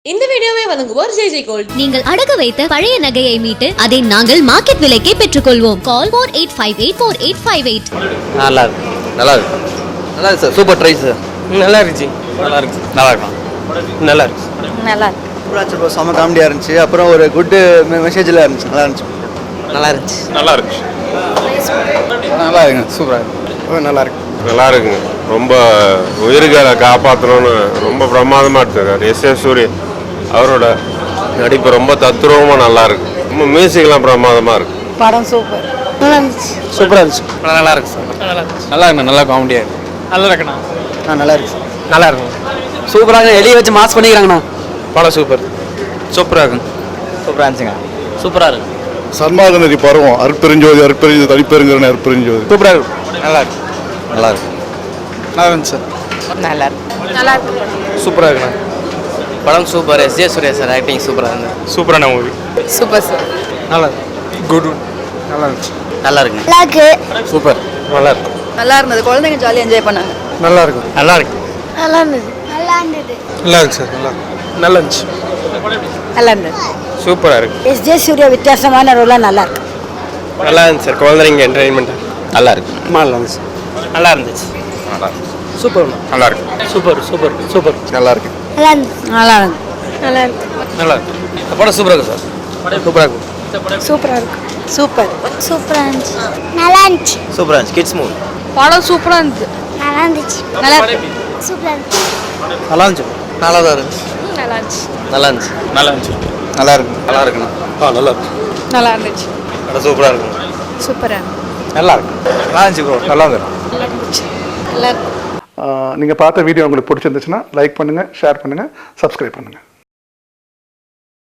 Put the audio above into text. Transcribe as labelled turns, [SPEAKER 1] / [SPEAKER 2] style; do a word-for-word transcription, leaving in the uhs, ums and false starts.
[SPEAKER 1] இந்த வீடியோவை வழங்குவோர் ஜே ஜே கோல்ட்.
[SPEAKER 2] நீங்கள் அடகு வைத்த பழைய நகையை மீட்டு அதை நாங்கள் மார்க்கெட் விலைக்கே பெற்றுக்கொள்வோம். Call four eight five eight four eight five eight.
[SPEAKER 3] நல்லா இருக்கு நல்லா இருக்கு நல்லா இருக்கு சார். Super try sir. நல்லா இருந்துச்சு நல்லா இருக்கு நல்லா இருக்கும் நல்லா இருக்கு
[SPEAKER 4] நல்லா இருக்கு
[SPEAKER 5] ப்ரோ. செம்ம காமெடியாக இருந்துச்சு. அப்புறம் ஒரு குட் மெசேஜில் இருந்துச்சு. நல்லா இருந்துச்சு
[SPEAKER 3] நல்லா இருந்துச்சு
[SPEAKER 6] நல்லா இருக்கு
[SPEAKER 5] நல்லா இருக்குங்க. சூப்பராக இருக்கு. நல்லா இருக்கு
[SPEAKER 6] நல்லா இருக்குங்க. ரொம்ப உயிர்களை காப்பாற்றணும்னு ரொம்ப பிரமாதமாக எடுத்துருக்காரு எஸ் ஏ சூரியன். அவரோட நடிப்பு ரொம்ப தத்ரூபமாக நல்லா இருக்கு. ரொம்ப மியூசிக்லாம் பிரமாதமாக இருக்கு.
[SPEAKER 4] படம் சூப்பர் நல்லா இருந்துச்சு.
[SPEAKER 5] சூப்பராக இருந்துச்சு.
[SPEAKER 3] நல்லா இருக்கு சார். நல்லா இருக்கு
[SPEAKER 5] நல்லா இருக்குண்ணா. நல்லா காமெடியாக இருக்கு.
[SPEAKER 3] நல்லா இருக்குண்ணா.
[SPEAKER 5] ஆ நல்லா இருக்கு.
[SPEAKER 3] நல்லா இருக்கும்.
[SPEAKER 5] சூப்பராக எலியை வச்சு மாஸ் பண்ணிக்கிறாங்கண்ணா.
[SPEAKER 3] படம் சூப்பர் சூப்பராக இருக்குங்க.
[SPEAKER 5] சூப்பராக இருந்துச்சுங்க.
[SPEAKER 3] சூப்பராக இருக்கு.
[SPEAKER 7] சர்மாகநதி பருவம் அற்பெருஞ்சோதி அற்பெருஞ்சோதி தனிப்பெருங்கிற அற்பெருஞ்சோதி
[SPEAKER 3] சூப்பராக இருக்கு. நல்லா இருக்கு நல்லா இருக்கு
[SPEAKER 5] நல்லா இருந்துச்சு சார்.
[SPEAKER 4] நல்லா இருக்கு நல்லா இருக்கு
[SPEAKER 3] சூப்பராக இருக்குண்ணா. படம் super. S J Surya sir acting சூப்பராக இருந்தது.
[SPEAKER 6] சூப்பரான மூவி.
[SPEAKER 4] Super sir.
[SPEAKER 3] நல்லா இருக்கு.
[SPEAKER 5] குட் நல்லா இருந்துச்சு.
[SPEAKER 3] நல்லா இருக்குங்க.
[SPEAKER 4] நல்லா இருக்கு
[SPEAKER 3] சூப்பர் நல்லா இருக்கு.
[SPEAKER 4] நல்லா இருந்தது. குழந்தைங்க ஜாலியாக என்ஜாய் பண்ணாங்க.
[SPEAKER 5] நல்லா இருக்கும்.
[SPEAKER 3] நல்லா இருக்கு
[SPEAKER 4] நல்லா இருந்தது நல்லா இருந்தது
[SPEAKER 5] நல்லா இருக்கு சார். நல்லா நல்லா இருந்துச்சு.
[SPEAKER 4] நல்லா இருந்தது.
[SPEAKER 3] சூப்பராக இருக்கு.
[SPEAKER 4] எஸ் ஜே சூர்யா வித்தியாசமான ரோலாக நல்லா இருக்கு.
[SPEAKER 3] நல்லா இருந்துச்சு சார். குழந்தைங்க என்டர்டைன்மெண்ட் நல்லா இருக்கு.
[SPEAKER 5] நல்லா இருந்துச்சு.
[SPEAKER 3] நல்லா இருந்துச்சு.
[SPEAKER 6] நல்லா
[SPEAKER 3] சூப்பர்
[SPEAKER 6] நல்லா இருக்கு.
[SPEAKER 3] சூப்பர் சூப்பர் சூப்பர்
[SPEAKER 5] நல்லா இருக்கு.
[SPEAKER 4] நல்லா இருந்துச்சு நல்லா இருக்கு நல்லா இருக்கு
[SPEAKER 3] நல்லா இருக்கு. படம் சூப்பராக இருக்கு சார். சூப்பராக இருக்கு.
[SPEAKER 4] சூப்பராக இருக்கு. சூப்பர்
[SPEAKER 8] சூப்பராக இருந்துச்சு நல்லா இருந்துச்சு
[SPEAKER 3] சூப்பராக இருந்துச்சு. Kids movie.
[SPEAKER 4] படம் சூப்பராக இருந்துச்சு.
[SPEAKER 8] நல்லா இருந்துச்சு
[SPEAKER 4] நல்லா இருக்கு.
[SPEAKER 8] சூப்பராக இருந்துச்சு
[SPEAKER 3] நல்லா இருந்துச்சு. நல்லா தான் இருந்துச்சு.
[SPEAKER 4] நல்லா இருந்துச்சு.
[SPEAKER 3] நல்லா இருந்துச்சு. நல்லா இருந்துச்சு.
[SPEAKER 5] நல்லா இருக்கு. நல்லா இருக்குண்ணா.
[SPEAKER 3] ஆ நல்லா இருக்கு.
[SPEAKER 4] நல்லா இருந்துச்சு.
[SPEAKER 3] படம் சூப்பராக இருக்குங்க.
[SPEAKER 4] சூப்பராக
[SPEAKER 3] நல்லா இருக்கு. நல்லா இருந்துச்சு ப்ரோ. நல்லா இருக்கு.
[SPEAKER 4] நல்லா இருந்துச்சு. நல்லா இருக்கு.
[SPEAKER 7] நீங்கள் பார்த்த வீடியோ உங்களுக்கு பிடிச்சிருந்துச்சுன்னா லைக் பண்ணுங்கள், ஷேர் பண்ணுங்கள், சப்ஸ்கிரைப் பண்ணுங்கள்.